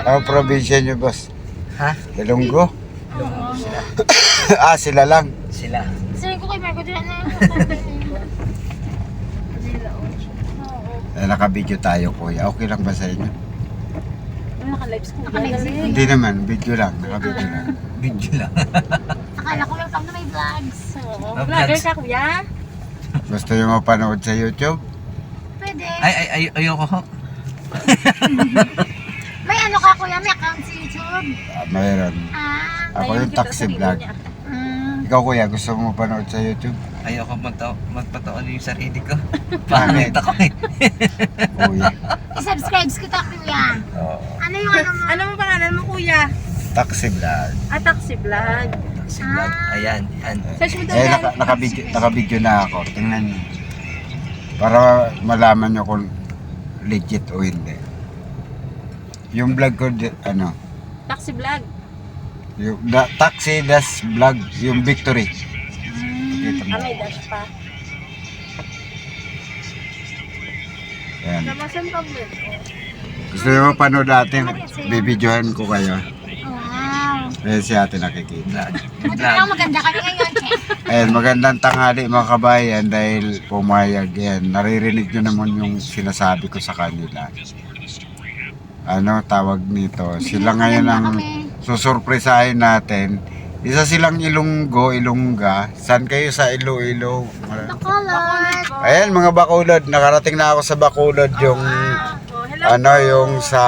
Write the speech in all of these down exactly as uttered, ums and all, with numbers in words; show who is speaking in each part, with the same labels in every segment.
Speaker 1: Ano probinsya nyo, boss?
Speaker 2: Ha?
Speaker 1: Ilonggo?
Speaker 2: Ilonggo sila.
Speaker 1: Ah, sila lang.
Speaker 2: Sila.
Speaker 3: Sabi ko kay Marco, dila na.
Speaker 1: Eh, naka-video tayo, kuya. Okay lang ba sa inyo?
Speaker 3: Naka-lives ko. Naka-lives ko.
Speaker 1: Hindi naman, video lang. Naka-video lang.
Speaker 2: Video lang.
Speaker 3: Akala ko welcome to my vlogs. Oo.
Speaker 2: Ah,
Speaker 3: Vlogger
Speaker 2: vlogs.
Speaker 3: ka, kuya?
Speaker 1: Gusto nyo mapanood sa YouTube?
Speaker 3: Pwede.
Speaker 2: Ay, ay, ay, ayoko ho.
Speaker 3: May ano ka, kuya? May account sa YouTube?
Speaker 1: Ah, mayroon.
Speaker 3: Ah.
Speaker 1: Ako yung taxi vlog.
Speaker 3: Mm.
Speaker 1: Ikaw, kuya, gusto mo mapanood sa YouTube?
Speaker 2: Ayoko magta- magpataon yung sarili ko.
Speaker 1: Bakit?
Speaker 2: Pangit ako eh.
Speaker 1: Kuya.
Speaker 3: I-subscribe kita, kuya.
Speaker 1: Oo.
Speaker 3: Ano yung ano mo?
Speaker 4: Ano mo pangalan mo, kuya?
Speaker 1: Taxi vlog.
Speaker 4: Ah, taxi vlog.
Speaker 2: Taxi vlog. Ayan, yan.
Speaker 4: Search mo
Speaker 1: Eh, naka, naka-video, naka-video na ako. Tingnan nyo. Para malaman nyo kung legit o hindi. Yung vlog ko, di- ano,
Speaker 4: Taxi vlog.
Speaker 1: yung da, taxi das vlog, yung victory. Kita mo.
Speaker 4: Ah, may dash pa.
Speaker 1: Ayan.
Speaker 4: Namasan pa vlog.
Speaker 1: Gusto nyo mapanood natin? Bibidyohan ko kayo.
Speaker 3: Wow.
Speaker 1: Ayan si ate nakikita.
Speaker 2: Vlog.
Speaker 3: Buti
Speaker 2: Vlog.
Speaker 3: lang maganda kami ngayon, che.
Speaker 1: Ayan, magandang tanghali mga kabayan dahil pumayag yan. Naririnig nyo naman yung sinasabi ko sa kanila. Ano tawag nito? Sila ngayon ang susurpresahin natin. Isa silang Ilonggo, Ilongga. San kayo sa Iloilo?
Speaker 3: Bacolod.
Speaker 1: Ayan mga Bacolod. Nakarating na ako sa Bacolod yung
Speaker 4: Oh, hello.
Speaker 1: ano yung sa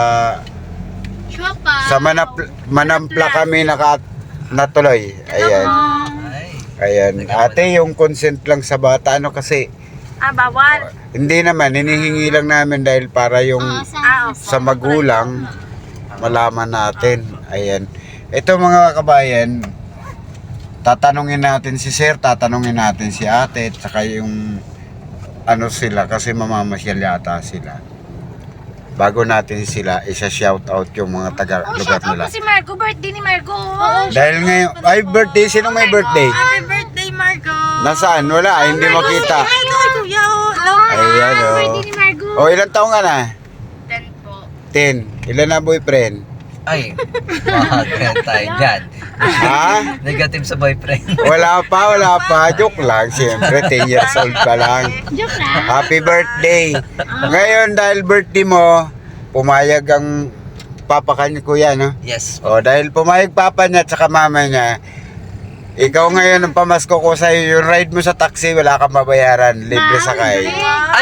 Speaker 3: Chopa.
Speaker 1: sa Manap, Manampla kami naka natuloy. Ayan.
Speaker 2: Ay.
Speaker 1: Ayan. Ate, yung consent lang sa bata ano kasi
Speaker 4: Ah, bawal.
Speaker 1: hindi naman hinihingi lang namin dahil para yung
Speaker 4: Ah, opo.
Speaker 1: sa magulang malaman natin. Ayan. Ito mga kabayan, tatanungin natin si sir, tatanungin natin si ate, at saka yung ano sila kasi mamamasyal yata sila. Bago natin sila, isa-shout out yung mga taga
Speaker 3: Oh,
Speaker 1: lugar
Speaker 3: shout out
Speaker 1: nila.
Speaker 3: po si Marco. Birthday ni Marco.
Speaker 1: Dahil ngayon, ay birthday, sino may birthday?
Speaker 4: Happy birthday, Marco.
Speaker 1: Nasaan? Wala, ay, hindi makita.
Speaker 4: Ay, ito, kuya. Oh, hello.
Speaker 1: Ayan, oh.
Speaker 3: Birthday ni Marco.
Speaker 1: O, ilang taong ka na?
Speaker 4: Ten po.
Speaker 1: ten. Ilan na boyfriend?
Speaker 2: Ay. Mahagyan tayo dyan.
Speaker 1: Ha?
Speaker 2: Negative sa boyfriend.
Speaker 1: Wala pa, wala pa. Joke lang, siyempre. ten years old pa lang.
Speaker 3: Joke lang.
Speaker 1: Happy birthday! Ngayon, dahil birthday mo, pumayag ang papa kanya, kuya, no?
Speaker 2: Yes.
Speaker 1: O, dahil pumayag papa niya at saka mama niya, ikaw ngayon ang pamasko ko sa'yo, yung ride mo sa taxi, wala kang mabayaran, libre sakay.
Speaker 2: Ay.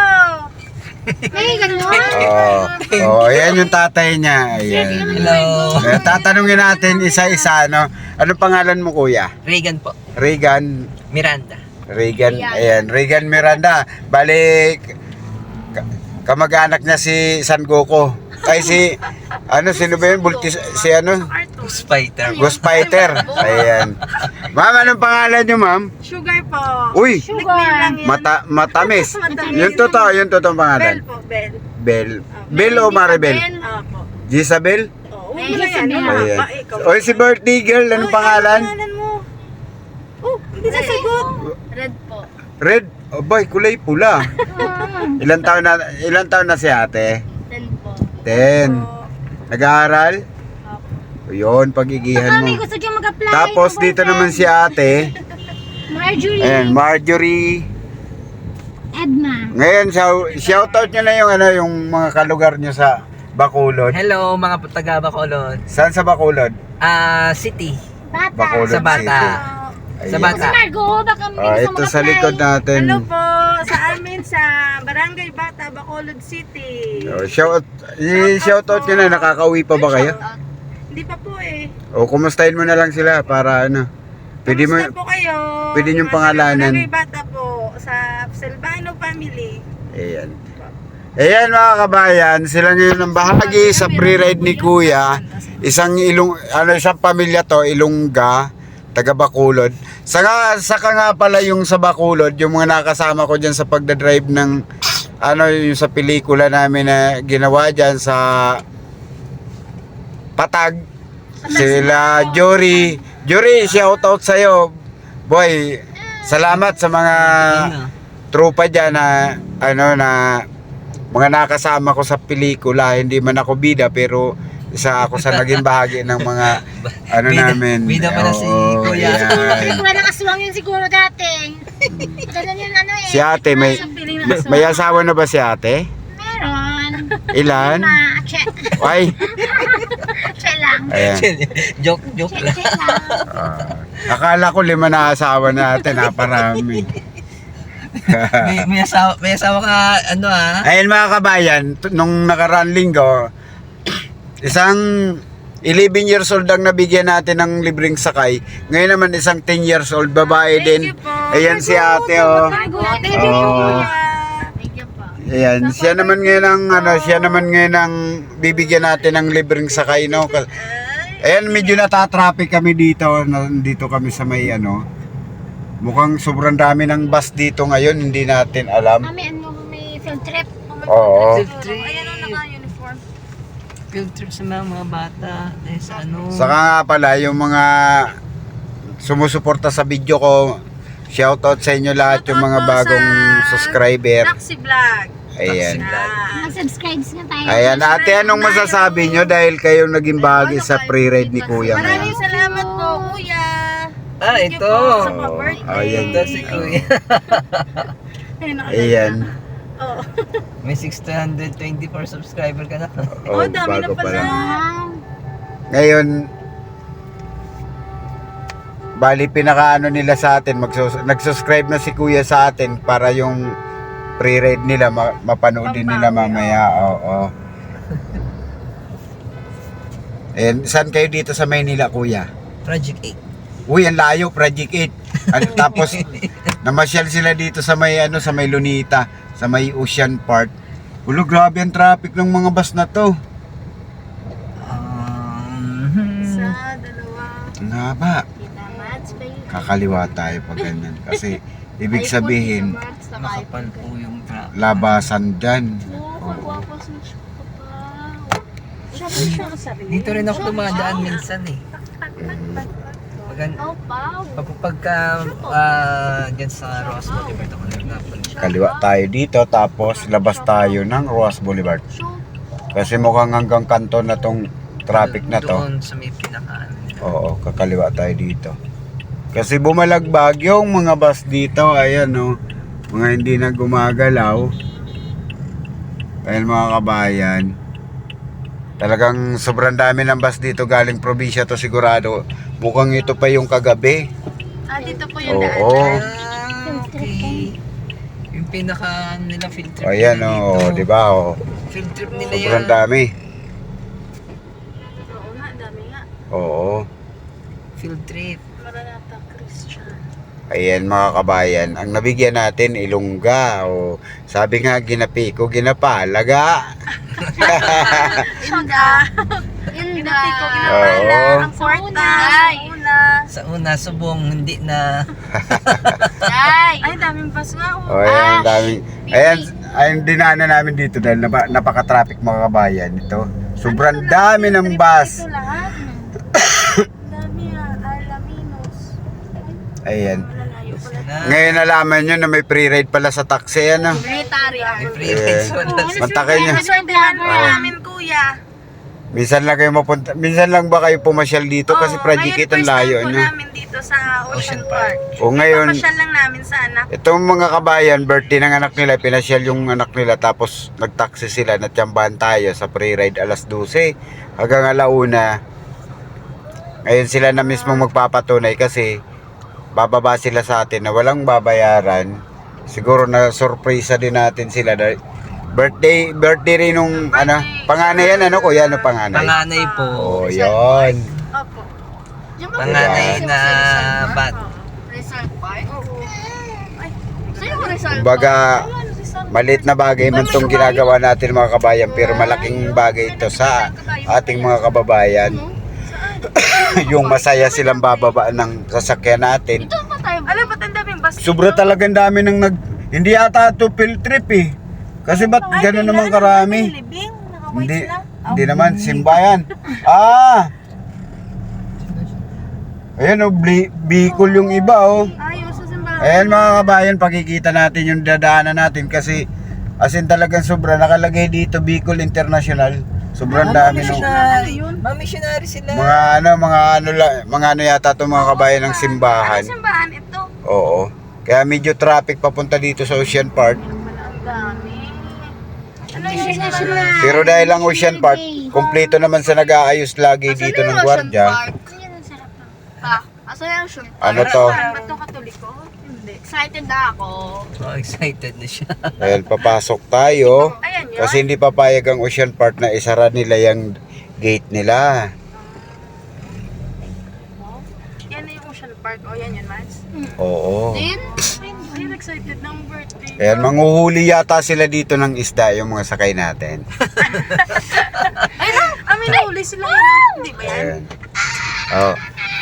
Speaker 3: May ganun.
Speaker 1: Oo, oh, ayan yung tatay niya. Ayan.
Speaker 2: Hello.
Speaker 1: Eh, tatanungin natin isa-isa, no? Anong pangalan mo, kuya?
Speaker 2: Reagan po.
Speaker 1: Regan,
Speaker 2: Miranda.
Speaker 1: Regan, ayan, Regan Miranda. Balik, ka- kamag-anak niya si San Goku. Ay, si, ano, sino ba yun? Bultis, si ano?
Speaker 2: Spider.
Speaker 1: Ghost Fighter. Ayan. Ma'am, anong pangalan niyo, ma'am?
Speaker 4: Sugar po.
Speaker 1: Uy,
Speaker 4: Sugar.
Speaker 1: mata, matamis. Yung totoo, yung totoo
Speaker 4: Bell
Speaker 1: pangalan.
Speaker 4: po, Bell.
Speaker 1: Bel. Bel o Maribel?
Speaker 4: Opo.
Speaker 1: Gisabel?
Speaker 4: Oh, huwag mo na yan.
Speaker 3: Ayan.
Speaker 1: Ayan.
Speaker 4: Ah, ikaw.
Speaker 1: Oy, si birthday girl, anong
Speaker 4: Oy,
Speaker 1: pangalan?
Speaker 4: Anong pangalan mo? Oh, hindi na sagot.
Speaker 3: Red po.
Speaker 1: Red. Oh, boy, kulay pula. Ilan taon na, ilan taon na si ate?
Speaker 3: Ten po.
Speaker 1: Ten. Nag-aaral? Yun, pagigihan
Speaker 3: Kami
Speaker 1: mo.
Speaker 3: gusto niyo mag-apply.
Speaker 1: Tapos dito naman si ate.
Speaker 3: Marjorie.
Speaker 1: Ayan, Marjorie.
Speaker 3: Edma.
Speaker 1: Ngayon, shout- shoutout nyo na yung, ano, yung mga kalugar nyo sa Bacolod.
Speaker 2: Hello mga taga Bacolod.
Speaker 1: Saan sa Bacolod?
Speaker 2: Ah, city.
Speaker 3: Bata.
Speaker 1: Bacolod
Speaker 2: Sa bata.
Speaker 1: City.
Speaker 2: Sa
Speaker 1: Ayan.
Speaker 2: bata.
Speaker 3: Si Marco, baka may
Speaker 1: Ah,
Speaker 3: gusto
Speaker 1: ito sa
Speaker 3: mag-apply.
Speaker 1: likod natin.
Speaker 4: Hello po sa amin sa Barangay Bata, Bacolod City.
Speaker 1: Oh, shout, i-shoutout nyo na, nakakauwi pa ba kayo?
Speaker 4: Hindi pa po eh.
Speaker 1: O, kumustahin mo na lang sila para ano. Pwede mo,
Speaker 4: Kamusta po kayo?
Speaker 1: pwede niyong
Speaker 4: Mga
Speaker 1: pangalanan.
Speaker 4: Barangay Bata po sa Silvano family.
Speaker 1: ayan. Ayan mga kabayan, sila ngayon ang bahagi sa pre-ride ni Kuya. Isang ilong, ano, isang pamilya to, Ilongga, taga Bacolod. Saka, saka nga pala yung sa Bacolod, yung mga nakasama ko dyan sa pagdadrive ng, ano, yung sa pelikula namin na ginawa dyan sa Patag. Sila Jory. Jory, shout out sa'yo. Boy, salamat sa mga tropa dyan na, ano, na mga nakasama ko sa pelikula, hindi man ako bida pero isa ako sa naging bahagi ng mga ano
Speaker 2: Bida-
Speaker 1: namin.
Speaker 2: bida pala si
Speaker 1: Oo,
Speaker 2: Kuya.
Speaker 1: yan.
Speaker 3: Wala nakaswang yun siguro dati. Ganun yun ano eh.
Speaker 1: Si ate, may, may, may asawa na ba si ate?
Speaker 3: Meron.
Speaker 1: Ilan?
Speaker 3: Ma, check.
Speaker 1: Ay,
Speaker 3: Check lang.
Speaker 1: ayan.
Speaker 2: joke, joke
Speaker 3: Check,
Speaker 2: lang.
Speaker 3: check lang.
Speaker 1: Ah, akala ko lima na asawa natin, naparami.
Speaker 2: may, may, asawa, may asawa ka, ano ah.
Speaker 1: Ayun mga kabayan, t- nung nakaraan linggo, isang eleven years old ang nabigyan natin ng libreng sakay. Ngayon naman isang ten years old babae
Speaker 4: Thank
Speaker 1: din.
Speaker 4: you po.
Speaker 1: Ayan si ate oh.
Speaker 3: Thank you
Speaker 1: Oh.
Speaker 3: po. Thank you po.
Speaker 1: Ayan, siya naman ngayon ang ano, siya naman ngayon ang bibigyan natin ng libreng sakay no. Ka- Ayan, medyo natatraffic kami dito, nandito kami sa may ano. Mukhang sobrang dami ng bus dito ngayon, hindi natin alam.
Speaker 3: Kami ano, may field trip.
Speaker 1: Oo.
Speaker 2: Field trip.
Speaker 4: Ayan ang naka-uniform.
Speaker 2: Field trip sa mga, mga bata. Eh, sa ano.
Speaker 1: Saka nga pala, yung mga sumusuporta sa video ko, shoutout sa inyo lahat yung mga
Speaker 4: Shoutout po
Speaker 1: bagong
Speaker 4: sa
Speaker 1: subscriber.
Speaker 4: Taxi vlog.
Speaker 1: Ayan.
Speaker 4: Ah.
Speaker 3: Mag-subscribe nga tayo.
Speaker 1: Ayan, ate, anong masasabi nyo dahil kayong naging bahagi sa pre-ride ni Kuya
Speaker 4: Maraming
Speaker 1: ngayon?
Speaker 4: salamat po, kuya.
Speaker 2: Ah,
Speaker 4: Thank you
Speaker 2: ito.
Speaker 4: po sa pa-birthday.
Speaker 1: Ayan.
Speaker 2: Ito si Kuya.
Speaker 4: Ayun, nakalagay
Speaker 1: Ayan.
Speaker 4: na. Oo.
Speaker 2: May six hundred twenty-four subscriber ka na.
Speaker 1: Oh,
Speaker 4: Oh, dami na
Speaker 1: bago pa
Speaker 4: pala.
Speaker 1: lang.
Speaker 3: Wow.
Speaker 1: Ngayon, bali pinakaano nila sa atin, magsus- nag-subscribe na si Kuya sa atin para yung pre-ride nila ma- mapanood din nila mamaya. Oo. Ayan, saan kayo dito sa Maynila, Kuya?
Speaker 2: Project eight.
Speaker 1: Uy, ang layo, Project eight. At tapos, namasyal sila dito sa may, ano, sa may Lunita, sa may Ocean Park. Ulo, grabe ang traffic ng mga bus na to.
Speaker 2: Um,
Speaker 4: Sa dalawa.
Speaker 1: Ang haba.
Speaker 3: Kita mats ba yun?
Speaker 1: Kakaliwa tayo pag ganyan. Kasi, ibig sabihin,
Speaker 2: Nakapal po yung trap.
Speaker 1: labasan dyan.
Speaker 3: Oo, kagwapo sa siya pa.
Speaker 4: Siya po siya kasabi.
Speaker 2: Dito rin ako dumadaan minsan eh. Pag,
Speaker 3: Oh, wow.
Speaker 2: pag, pagka ah, dyan sa Ross Boulevard ako nagnapan siya.
Speaker 1: Kaliwa tayo dito, tapos labas tayo ng Roas Boulevard. Kasi mukhang hanggang kanto na tong traffic na to.
Speaker 2: Doon sa may pinakaan.
Speaker 1: Oo, kakaliwa tayo dito. Kasi bumalagbag yung mga bus dito, ayan no. Mga hindi na gumagalaw. Ayan mga kabayan. Talagang sobrang dami ng bus dito galing probinsya to sigurado. Mukhang ito pa yung kagabi.
Speaker 4: Ah, dito po yung daan.
Speaker 1: Oo.
Speaker 2: Ah, okay. Yung pinaka nila field trip
Speaker 1: Ayan
Speaker 2: nila
Speaker 1: o,
Speaker 2: dito.
Speaker 1: di ba o.
Speaker 2: Field trip nila
Speaker 1: Sobrang
Speaker 2: yan.
Speaker 1: dami.
Speaker 4: Oo nga, dami nga.
Speaker 1: Oo.
Speaker 2: Field trip.
Speaker 4: Maranata Christian.
Speaker 1: Ayan mga kabayan, ang nabigyan natin ilongga o sabi nga ginapi ko ginapalaga.
Speaker 4: Inda. Ginapi ko, ginapala.
Speaker 1: Oo.
Speaker 4: Ang kwarta.
Speaker 3: Ay.
Speaker 4: Ang una.
Speaker 2: Sa una, subong, hindi na.
Speaker 3: Ay.
Speaker 4: Ay, daming bus nga.
Speaker 1: O
Speaker 4: Oh.
Speaker 1: ayan, ang daming. Ayan, ayan dinaanan namin dito dahil napa, napaka-traffic mga kabayan ito. Sobrang dami ng bus.
Speaker 4: Ito lahat. Dami ah. Alaminos.
Speaker 1: Ayan.
Speaker 4: Malalayo pala.
Speaker 2: Na,
Speaker 1: Ngayon nalaman nyo na may pre-ride pala sa taxi ano.
Speaker 3: Military.
Speaker 2: may free rides
Speaker 1: Yeah.
Speaker 2: wala.
Speaker 1: Mantakay nyo.
Speaker 4: Naswertehan po
Speaker 1: Oo.
Speaker 4: namin, kuya.
Speaker 1: Minsan lang kayo mapunta, minsan lang ba kayo pumasyal dito kasi
Speaker 4: Oo,
Speaker 1: Project
Speaker 4: ngayon
Speaker 1: eight ang
Speaker 4: first time
Speaker 1: layo
Speaker 4: po
Speaker 1: nyo.
Speaker 4: namin dito sa Ocean
Speaker 2: Ocean
Speaker 4: Park.
Speaker 1: O ngayon,
Speaker 4: Papasyal lang namin sa anak.
Speaker 1: itong mga kabayan, birthday ng anak nila, pinasyal yung anak nila tapos nagtaksi sila, natsambahan tayo sa pre-ride alas dose hanggang alauna. Ngayon sila na mismo magpapatunay kasi bababa sila sa atin na walang babayaran. Siguro na surpresa din natin sila dahil birthday, birthday rin nung ano, panganay yan ano kuya, ano panganay?
Speaker 2: Panganay po.
Speaker 1: Oh, yun.
Speaker 4: Opo.
Speaker 2: Panganay na bat.
Speaker 3: Resort Park? Sino ko Resort
Speaker 1: Kumbaga, maliit na bagay man itong ginagawa natin mga kabayan pero malaking bagay ito sa ating mga kababayan. Yung masaya silang bababa ng sasakyan natin.
Speaker 3: Ito pa tayo.
Speaker 4: Alam ba't ang daming bus?
Speaker 1: Sobra talagang dami ng nag... Hindi ata ito field trip eh. Kasi ba't
Speaker 4: Ay,
Speaker 1: gano'n
Speaker 4: kailan
Speaker 1: naman
Speaker 4: naman
Speaker 1: karami?
Speaker 4: may libing? Naka-white
Speaker 1: Hindi,
Speaker 4: sila.
Speaker 1: hindi naman, simbayan. Ah! Ayan o, Bli- Bicol yung iba oh.
Speaker 4: Ayaw sa simbahan.
Speaker 1: Ayan mga kabayan, pakikita natin yung dadaanan natin kasi As in talagang sobra. Nakalagay dito Bicol International. Sobrang dami nung
Speaker 2: Missionary. Mga missionary sila.
Speaker 1: mga ano, mga ano la, mga ano yata itong mga kabayan ng simbahan.
Speaker 4: Simbahan ito.
Speaker 1: Oo. Kaya medyo traffic papunta dito sa Ocean Park.
Speaker 4: Ang dami. Ano
Speaker 3: Ano
Speaker 4: yung
Speaker 3: na sila?
Speaker 1: Pero dahil lang Ocean Park, kumpleto naman sa nag-aayos lagi dito ng gwardiya.
Speaker 3: Yan ang sarap lang.
Speaker 5: Ha? Asan yung Ocean Park?
Speaker 1: Ano to?
Speaker 4: Ba't to katoliko? Hindi.
Speaker 5: Excited na ako.
Speaker 2: Oh, excited na siya.
Speaker 1: Dahil papasok tayo.
Speaker 4: Ayan yun.
Speaker 1: Kasi hindi papayag ang Ocean Park na isara nila yung gate nila.
Speaker 4: Yan na yung Ocean Park. O yan yun, Mads.
Speaker 1: Oo.
Speaker 5: Din?
Speaker 4: Ayun, excited ng birthday.
Speaker 1: Ayan, manghuhuli yata sila dito ng isda yung mga sakay natin.
Speaker 4: Ay na! Amin na uli sila yun. Hindi ba yan?
Speaker 1: Ayan. Oh.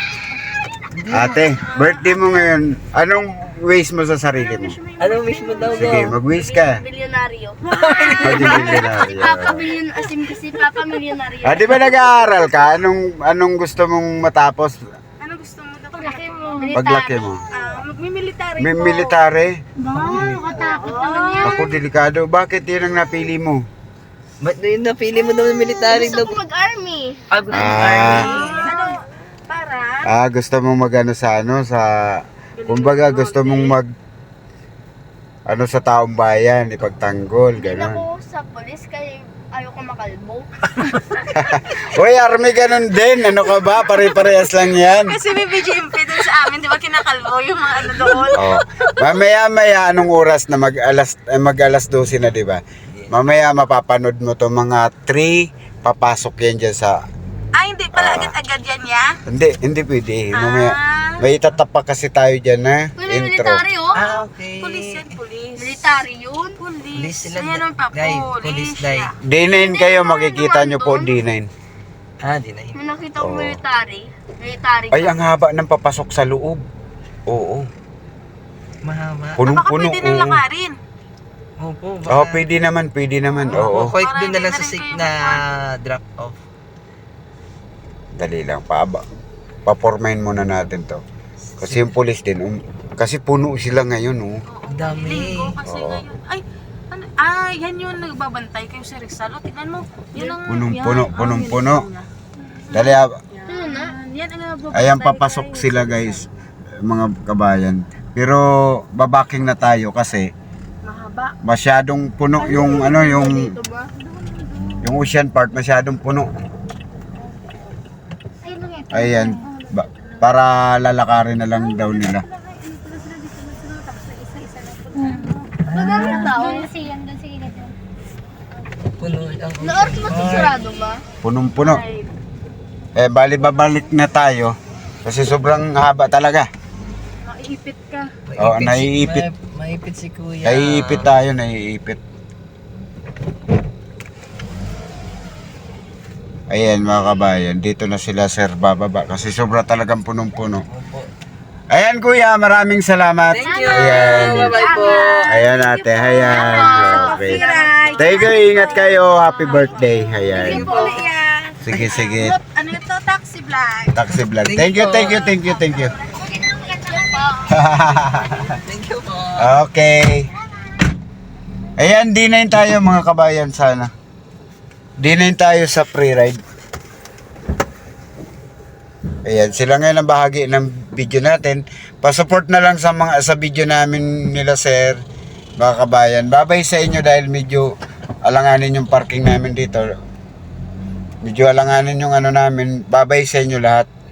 Speaker 1: Ate, birthday mo ngayon. Anong wish mo sa sarili mo?
Speaker 2: Ano wish mo daw
Speaker 1: Sige,
Speaker 2: go?
Speaker 1: mag-wish ka.
Speaker 5: Milyonaryo.
Speaker 1: Maging milyonaryo.
Speaker 5: Papa milyon, asim kasi Papa milyonaryo.
Speaker 1: Ah, di ba nag-aaral ka? Anong anong gusto mong matapos
Speaker 4: Ano gusto mo daw?
Speaker 3: Paglaki mo.
Speaker 1: paglaki mo?
Speaker 4: Ah, magmi-military
Speaker 1: May
Speaker 4: po.
Speaker 1: military?
Speaker 3: Ba, nakatakot naman yan.
Speaker 1: Ako delikado. Bakit yun ang napili mo?
Speaker 2: Ba't na yun napili mo daw ng military
Speaker 5: Gusto
Speaker 2: daw?
Speaker 5: ko mag-army.
Speaker 2: Ah, gusto mo
Speaker 1: Ah.
Speaker 2: army.
Speaker 4: Ano? Para?
Speaker 1: Ah, gusto mong magano sa ano sa kumbaga gusto mong mag ano sa taong bayan, ipagtanggol,
Speaker 5: Hindi na
Speaker 1: gano'n.
Speaker 5: ako sa polis kaya ayoko makalbo.
Speaker 1: Uy, army ganun din. Ano ka ba? Pare-parehas lang yan.
Speaker 4: Kasi may B G M P dun sa amin, di ba kinakalbo yung mga ano doon?
Speaker 1: Oh. Mamaya-maya anong oras na mag-alas eh, mag-alas dose na, 'di ba? Mamaya mapapanood mo to mga three papasok yan dyan sa
Speaker 4: Ah, hindi pala
Speaker 1: Ah.
Speaker 4: agad-agad yan ya?
Speaker 1: hindi hindi pwede. Mamaya
Speaker 4: Ah.
Speaker 1: may itatapak kasi tayo diyan na
Speaker 5: Wala
Speaker 1: intro.
Speaker 5: military oh.
Speaker 2: Ah, okay.
Speaker 4: Pulis yan, pulis.
Speaker 5: Military yun.
Speaker 4: Pulis.
Speaker 2: Police sila.
Speaker 4: Ayan naman pa,
Speaker 2: Dai,
Speaker 4: pulis.
Speaker 2: police dai.
Speaker 4: siya.
Speaker 1: D nine kayo, makikita nyo po D nine.
Speaker 2: Ah, di na yun.
Speaker 5: May nakita ko
Speaker 1: Oo.
Speaker 5: military. Military.
Speaker 1: Ay, ang haba ng papasok sa loob. Oo.
Speaker 2: Mahaba.
Speaker 1: Punong
Speaker 4: Baka
Speaker 1: puno.
Speaker 4: pwede nang
Speaker 1: Oo.
Speaker 4: lakarin.
Speaker 2: Opo,
Speaker 1: Oh, pwede naman, pwede naman.
Speaker 2: Oo,
Speaker 1: Oo.
Speaker 2: kahit
Speaker 4: Para
Speaker 2: doon na
Speaker 4: hindi
Speaker 2: lang
Speaker 4: na
Speaker 2: sa
Speaker 4: rin
Speaker 2: sick
Speaker 4: kayo
Speaker 2: na
Speaker 4: mag-
Speaker 2: drop off.
Speaker 1: Dali lang, paaba. Papormahin muna natin to. Kasi yung police din, um, kasi puno sila ngayon, oh.
Speaker 2: Ang dami.
Speaker 4: Linggo kasi
Speaker 1: Oo.
Speaker 4: ngayon. Ay, ano, ah, yan yung nagbabantay kayo sa Rizal. O, tignan mo. Yan ang,
Speaker 1: Punong-puno,
Speaker 4: yan.
Speaker 1: punong-puno.
Speaker 4: Oh, yan.
Speaker 1: Dali, ah,
Speaker 5: Ano na?
Speaker 4: Yan ang nagbabantay
Speaker 1: ayan papasok
Speaker 4: kayo.
Speaker 1: sila guys, mga kabayan. Pero babaking na tayo kasi
Speaker 4: Mahaba.
Speaker 1: masyadong puno yung ano yung
Speaker 5: Dito ba?
Speaker 1: yung Ocean Park masyadong puno.
Speaker 3: Ayun lang ito.
Speaker 1: Ayan, ba, para lalakarin na lang daw nila.
Speaker 5: Madami na tao.
Speaker 3: Doon kasi yan, doon sa gilid.
Speaker 2: Puno lang.
Speaker 5: Naoras mo sarado ba?
Speaker 1: Punong-puno. Eh bali babalik na tayo kasi sobrang haba talaga.
Speaker 4: Maiipit ka.
Speaker 1: Oo, naiipit.
Speaker 2: May, maipit si kuya.
Speaker 1: Naiipit tayo, naiipit. Ayan mga kabayan, dito na sila sir bababa kasi sobra talagang punong-puno.
Speaker 2: Opo.
Speaker 1: Ayan kuya, maraming salamat.
Speaker 2: Thank you.
Speaker 1: Ayan.
Speaker 2: Bye-bye po.
Speaker 1: Ayan ate, ayan. Okay.
Speaker 4: Right.
Speaker 1: Thank you, ingat kayo. Happy birthday. Ayan.
Speaker 4: Sige po ulit yan.
Speaker 1: Sige, sige.
Speaker 4: Ano ito? Taxi vlog.
Speaker 1: Taxi vlog. Thank you, thank you, thank you, thank you.
Speaker 2: Thank you po.
Speaker 1: Okay. Ayan, D nine tayo mga kabayan sana. D nine tayo sa pre-ride. Ayan, sila ngayon ang bahagi ng video natin. Pa-support na lang sa mga sa video namin nila sir, mga kabayan. Babay sa inyo dahil medyo alanganin yung parking namin dito. Medyo alanganin yung ano namin. Babay sa inyo lahat.